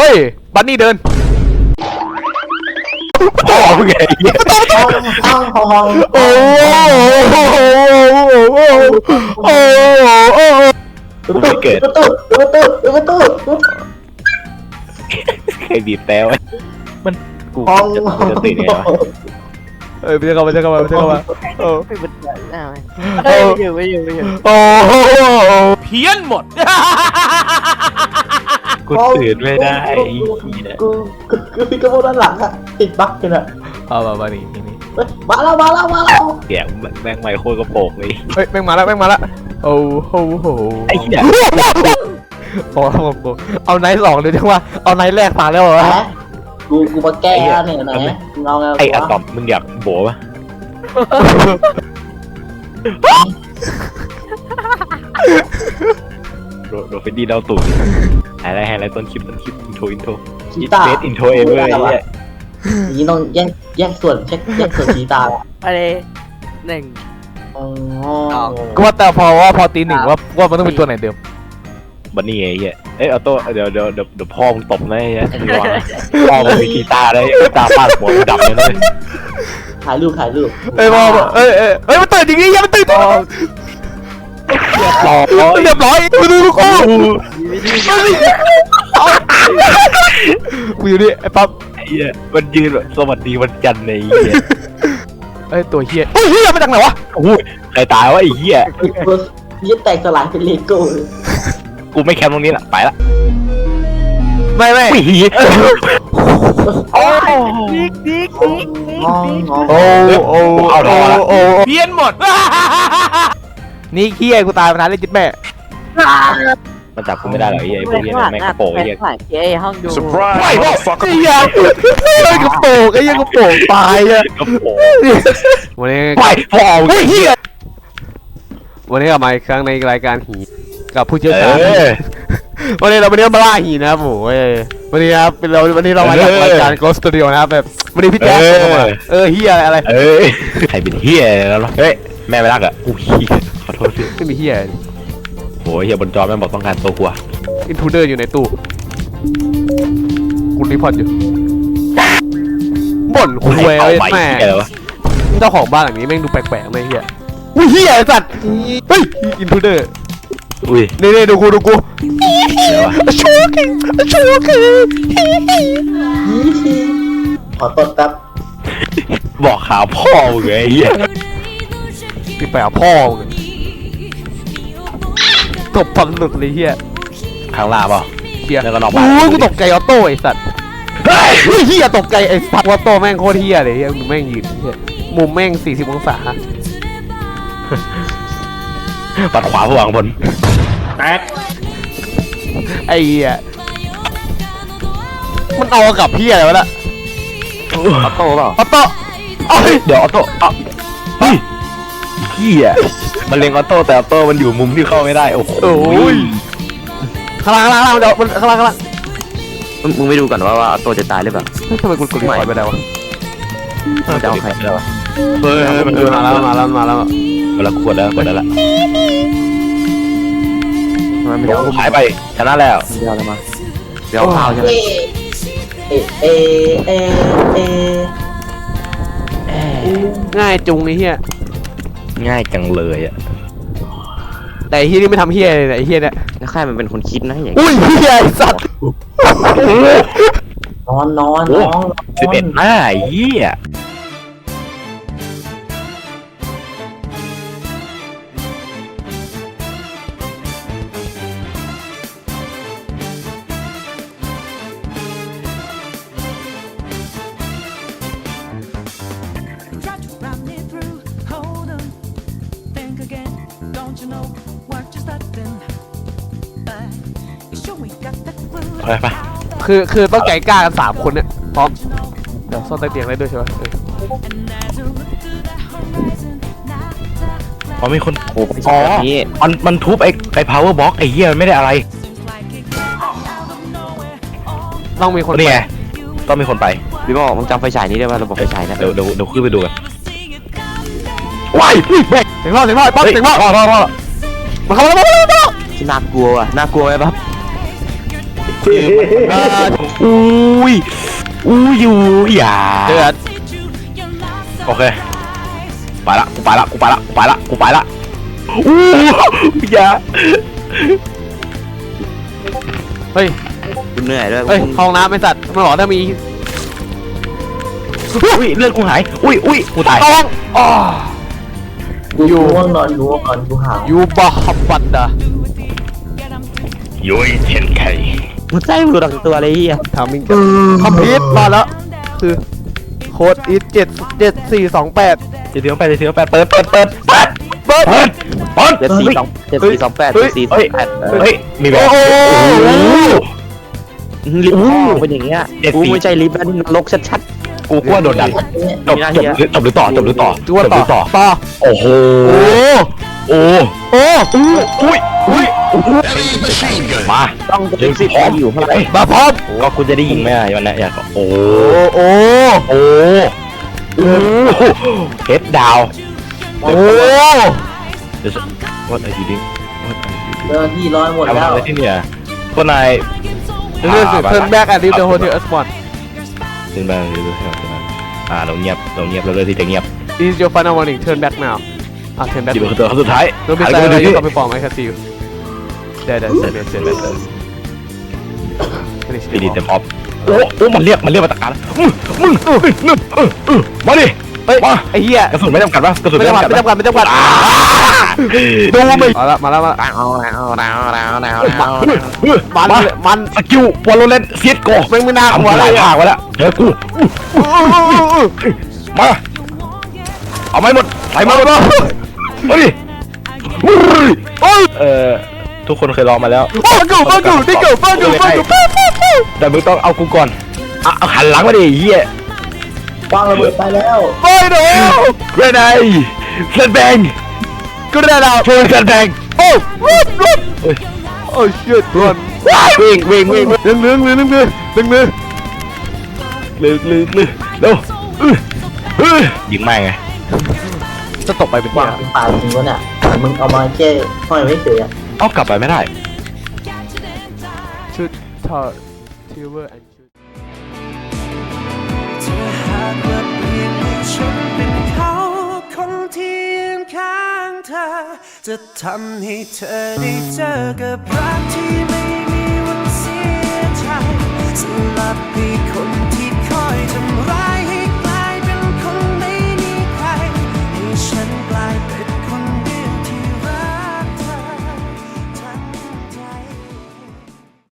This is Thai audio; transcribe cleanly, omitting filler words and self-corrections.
ยบันนี่เดินต่อมึงไงโอ้ไม่เกิดประตูใครบีบแต่ไว้มันกูจะตื่นไงวะไม่ใช่เข้ามาโอ้ไม่เป็นไรไม่อยู่โอ้เพี้ยนหมดกูตื่นไม่ได้กูพี่กระโดดด้านหลังอะติดบั๊กกันอะเอามานี่มาแล้วเสียงแม่งไมโครกระโปงเลยเฮ้ยแม่งมาแล้วโอ้โหไอ้เหี้ยโอ้เอาไนท์สองเลยจังว่าเอาไนท์แรกมาแล้วเหรอกูมาแก้เนี่ยไหนเอาไงไอ้อะตอมมึงอยากโบปะโดเฟนดี้เดาตูดอะไรต้นคลิปอินโทรชีตาเบสอินโทรเองเลยเนี่ยนี่ต้องแยกส่วนแยกส่วนชีตาอะไรหนึ่งก็ว่าแต่พอตีหนึ่งว่ามันต้องเป็นตัวไหนเดิมบันนี่ไอ้เหี้ยเอ้ยออโต้เดี๋ยวพ่อมึงตบนะไอ้เหี้ยพ่อมึงมีกีตาร์ได้ตาฟาดหัวดับเลยนะถ่ายรูปเอ้ยมันตื่นจริงๆมันตื่นเรียบร้อยดูกูอยู่นี่ไอ้ปั๊บไอ้เหี้ยมันยืนแบบสวัสดีวันจันทร์ในไอ้เหี้ยไอ้ตัวเฮียมาจากไหนวะโอ้ยใครตายวะไอ้เหี้ยยึดแตกสลายเป็นเลโก้กูไม่แคมป์ตรงนี้ละไปละไม่โอ้ดิกโอ้เพี้ยนหมดนี่เฮียกูตายมานานเลยจิ๊บแม่มันจับกูไม่ได้หรอกไอ้เหี้ยไอ้พวกเหี้ยแม่งกระโปงไอ้เหี้ยเอ้ห้องดูไอ้เหี้ยกระโปงไอ้เหี้ยกระโปงตายอะกระโปงวันนี้ไปพ่อไอ้เหี้ยวันนี้กลับมาอีกครั้งในรายการหีกับผู้เชี่ยวชาญวันนี้เรามาล่าหีนะครับผมวันนี้ครับวันนี้เรามาจากรายการ Ghost Studio นะครับแบบวันนี้พี่แจ๊คเข้ามาเฮียอะไรใครเป็นเหี้ยแล้วเฮ้ยแม่ไม่รักอ่ะกูเหี้ยขอโทษพี่ไม่มีเฮียโหเหี้ยบนจอแม่งบอกต้องการตัวกูอะอินทูเดอร์อยู่ในตู้คุณรีพอร์ตอยู่บ่นคุยแม่เจ้าของบ้านหลังนี้แม่งดูแปลกๆไม่เฮียอุ้ยเฮียไอ้สัตว์เฮ้ยอินทูเดอร์อุ้ยนี่ดูกูเดี๋ยววะชูกิขอตดแป๊บบอกข่าวพ่อมึงไงไอ้เหี้ยพี่ไปเอาพ่อตบฟันหลุดเลยเฮียข้างล่างเปล่าเฮียแล้วก็นอกบ้านโอ้ยกูตกใจออโต้ไอ้สัตว์เฮียตกใจไอ้สัตว์ออโต้แม่งโคตรเฮียเลยเฮียมึงแม่งยืนเฮียมุมแม่ง40 องศาปัดขวาผู้หวังผลแตกไอ้เฮียมันเอากับเฮียอะไรวะล่ะออโต้เปล่าออโต้เอ้ยเดี๋ยวออโต้เฮ้ยเหี้ยมันเล็งออโต้แต่ออโต้มันอยู่มุมที่เข้าไม่ได้โอ้โหข้างล่างเดี๋ยวมันข้างล่างมึงไม่ดูก่อนว่าออโต้จะตายหรือเปล่าทำไมกูกดรีพอร์ตไปได้วะจะเอาใครได้วะมันมาแล้วเวลาขวดแล้วกดแล้วล่ะไม่เดี๋ยวเอาหายไปชนะแล้วเดี๋ยวอะไรมาเดี๋ยวเอาใช่ไหม ง่ายจุงไอ้เฮียง่ายจังเลยอ่ะแต่ไอ้เฮียนี่ไม่ทำเฮียเลยไอ้เฮียเนี่ยแล้วใครมันเป็นคนคิดนะอย่างอุ้ยเฮียไอ้สัตว์นอน 11หน้าไอ้เหี้ย ไปไปคือต้องใจกล้ากัน3 คนเนี่ยพร้อมเดี๋ยวซ่อนใต้เตียงได้ด้วยใช่ไหมพอมีคนโอ้มันทุบไอ้ power box ไอ้เหี้ยมันไม่ได้อะไรต้องมีคนนี่ไงต้องมีคนไปพี่บอกมึงจำไฟฉายนี้ได้ป่ะระบบไฟฉายนะเดี๋ยวขึ้นไปดูกันว้ายแม่เสียงรอดปั๊บเสียงรอดมาเข้ามาที่น่ากลัวอ่ะน่ากลัวไหมปั๊บอุ้ยอยู่อย่าเดือดโอเคไปละกูไปละกูไปละกูไปละกูไปละอย่าเฮ้ยกูเหนื่อยด้วยเฮ้ยห้องน้ำไอ้สัตว์มันบอกถ้ามีอุ้ยเลือดกูหายอุ้ยกูตายต้องอ๋อกูง่วงนอนกูหาวยูบาฮับบันดายุ้ยเช่นไข่มันใจกูดังตัวเลยเฮียทำมิงคอมพิวต์มาแล้วคือโค้ดอีท77428 เดี๋ยวไปเปิดเจ็ดสี่สองเจ็ดสี่สองแปดเจ็ดสี่สองแปดเฮ้ยมีแบบโอ้โหลิฟต์ห้องเป็นอย่างเงี้ยกูไม่ใช่ลิฟต์แล้วนี่นรกชัดกูกลัวโดนดันจบหรือต่อตัวต่อโอ้โหโอ้โอ้มาๆต้องเจ็ดสิบอยู่ข้างในมาพร้อมก็คุณจะได้ยิงไหมวันนี้อยากโอ้โอ้เฮดดาวโอ้ What are you doing เจ้าหน้าที่ร้อยหมดทำแล้วอะไรที่เนี่ยพวกนายเรื่องสิ turn back and leave the hotel as one ขึ้นมาเรื่อยๆเราเงียบเราเลือกที่จะเงียบ This is your final warning turn back now turn back จีบตัวสุดท้าย Don't be silent you come perform I can see you There Finish ดีเต็มออฟโอ้มันเรียกมาตะการมึงมาดิมาไอ้เหี้ยกระสุนไม่จำกัดป่ะกระสุนไม่ไม่จำจำกักัดดไม่จำกัดดูไม่มาแล้วมามันสกิลวอลเลนเซียโกไม่น่าหัวอะไรผ่าไว้แล้วเฮ้ยกูมาเอาไม่หมดใส่มาหมดมาดิทุกคนเคยลองมาแล้วฟังกูแต่มึงต้องเอากูก่อนเอาหันหลังมาดิเฮียวางระเบิดไปแล้วไปเด้อเกรนไอเซนแบงกูได้แล้วโชว์เซนแบงโอ้โอ้ชิตรันวิ่งเรื่องเร็วยิงไม่ไงจะตกไปเป็นวางเป็นป่าจริงวะเนี่ยมึงเอามาแค่ห้อยไว้เฉยอะเอากลับไปไม่ได้ชุดทอทิวเวอร์แอนชุดถ้าหากว่าเปลี่ยนให้ฉันเป็นเขาคนที่ยืนข้างเธอ จะทำให้เธอได้เจอกับรักที่